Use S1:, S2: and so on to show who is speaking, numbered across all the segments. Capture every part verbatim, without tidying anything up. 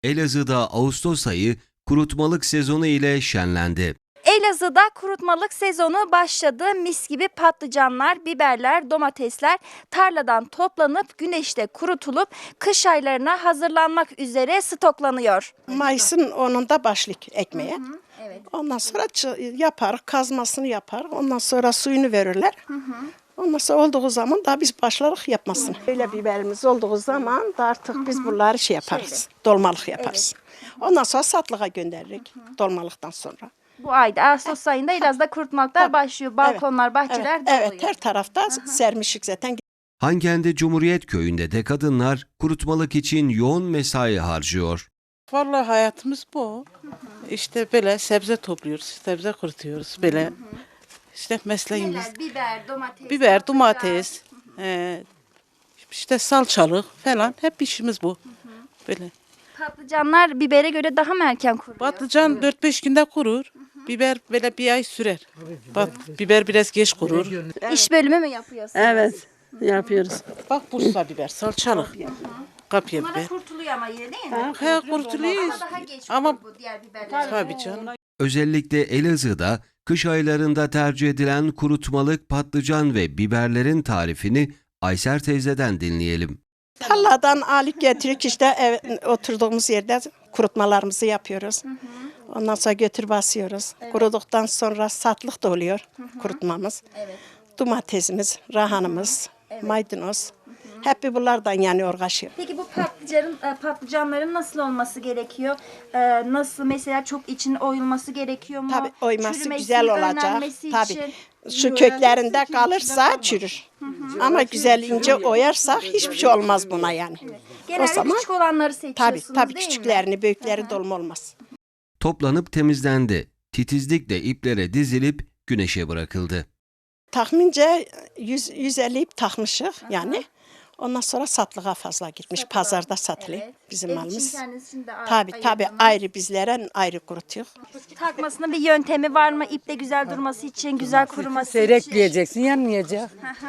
S1: Elazığ'da Ağustos ayı kurutmalık sezonu ile şenlendi.
S2: Elazığ'da kurutmalık sezonu başladı. Mis gibi patlıcanlar, biberler, domatesler tarladan toplanıp güneşte kurutulup kış aylarına hazırlanmak üzere stoklanıyor.
S3: Mayıs'ın onunda başlık ekmeğe.
S2: Evet.
S3: Ondan sonra yapar, kazmasını yapar. Ondan sonra suyunu verirler. Hı hı. Ondan sonra olduğu zaman da biz başlarız yapmasını. Öyle biberimiz olduğu zaman da artık hı hı. biz bunları şey yaparız. Şöyle. Dolmalık yaparız. Evet. Ondan sonra satlığa gönderirik. Hı hı. Dolmalıktan sonra.
S2: Bu ayda Ağustos ayında Elazığ'da kurutmalıklar başlıyor. Balkonlar, evet. bahçeler
S3: evet.
S2: doluyor.
S3: Evet, her tarafta hı hı. sermişik zaten.
S1: Hangendi Cumhuriyet Köyü'nde de kadınlar kurutmalık için yoğun mesai harcıyor.
S4: Vallahi hayatımız bu. İşte böyle sebze topluyoruz, sebze kurutuyoruz böyle. İşte mesleğimiz.
S2: Neler? Biber, domates.
S4: Biber, domates, e, işte salçalık falan hep işimiz bu. Böyle.
S2: Patlıcanlar bibere göre daha mı erken kuruyor?
S4: Patlıcan dört beş günde kurur. Biber böyle bir ay sürer. Bak biber biraz geç kurur.
S2: İş bölümü mü yapıyorsunuz?
S5: Evet, yapıyoruz.
S4: Bak Bursa biber, salçalık. Kapya
S2: Bunlar
S4: biber.
S2: da kurtuluyor ama yine değil mi?
S4: He kurtuluyor.
S2: Ama daha geç
S4: Ama
S2: bu diğer biberler.
S4: tabii canım.
S1: Özellikle Elazığ'da kış aylarında tercih edilen kurutmalık patlıcan ve biberlerin tarifini Ayser teyzeden dinleyelim.
S3: Tarladan alıp getirip işte ev, oturduğumuz yerde kurutmalarımızı yapıyoruz. Hı hı. Ondan sonra götür basıyoruz. Evet. Kuruduktan sonra satlık da oluyor hı hı. kurutmamız. Evet. Domatesimiz, rahanımız, evet. maydanoz. Hı hı. Hep bunlardan yani uğraşıyor.
S2: Peki bu patlıcanın, patlıcanların nasıl olması gerekiyor? Ee, nasıl mesela çok için oyulması gerekiyor mu?
S3: Tabii oyması
S2: Çürümesi,
S3: güzel olacak.
S2: önlenmesi
S3: Tabii.
S2: için.
S3: Şu köklerinde kalırsa çürür. Hı hı. Ama güzel ince oyarsak hiçbir şey olmaz buna yani. Evet.
S2: Genelde
S3: o zaman,
S2: küçük olanları seçiyorsunuz
S3: tabii, tabii
S2: değil
S3: küçüklerini,
S2: mi?
S3: büyükleri dolma olmaz.
S1: Toplanıp temizlendi. Titizlikle iplere dizilip güneşe bırakıldı.
S3: Tahmince yüz, yüz elli ip takmışık yani. Ondan sonra satlığa fazla gitmiş. Satlığa. Pazarda satılıyor evet. bizim
S2: Ev
S3: malımız.
S2: Tabii
S3: tabii ayrı bizlere ayrı kurutuyor.
S2: Takmasının bir yöntemi var mı? İple güzel durması için, güzel kuruması için.
S5: Seyrekleyeceksin, yanmayacak.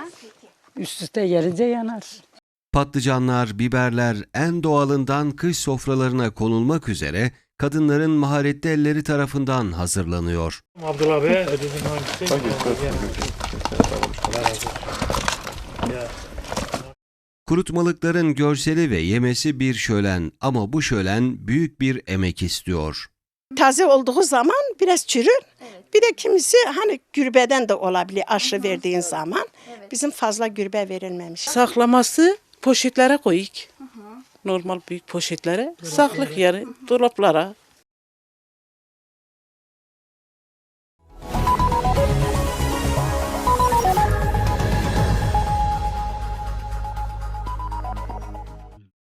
S5: Üst üste gelince yanar.
S1: Patlıcanlar, biberler en doğalından kış sofralarına konulmak üzere kadınların maharetli elleri tarafından hazırlanıyor.
S6: Abdullah Bey, ödedin hangisi?
S1: Kurutmalıkların görseli ve yemesi bir şölen ama bu şölen büyük bir emek istiyor.
S3: Taze olduğu zaman biraz çürür. Evet. Bir de kimisi hani gürbeden de olabilir aşı verdiğin zaman. Evet. Bizim fazla gürbe verilmemiş.
S4: Saklaması poşetlere koyuk. Normal büyük poşetlere. Saklık yeri, dolaplara.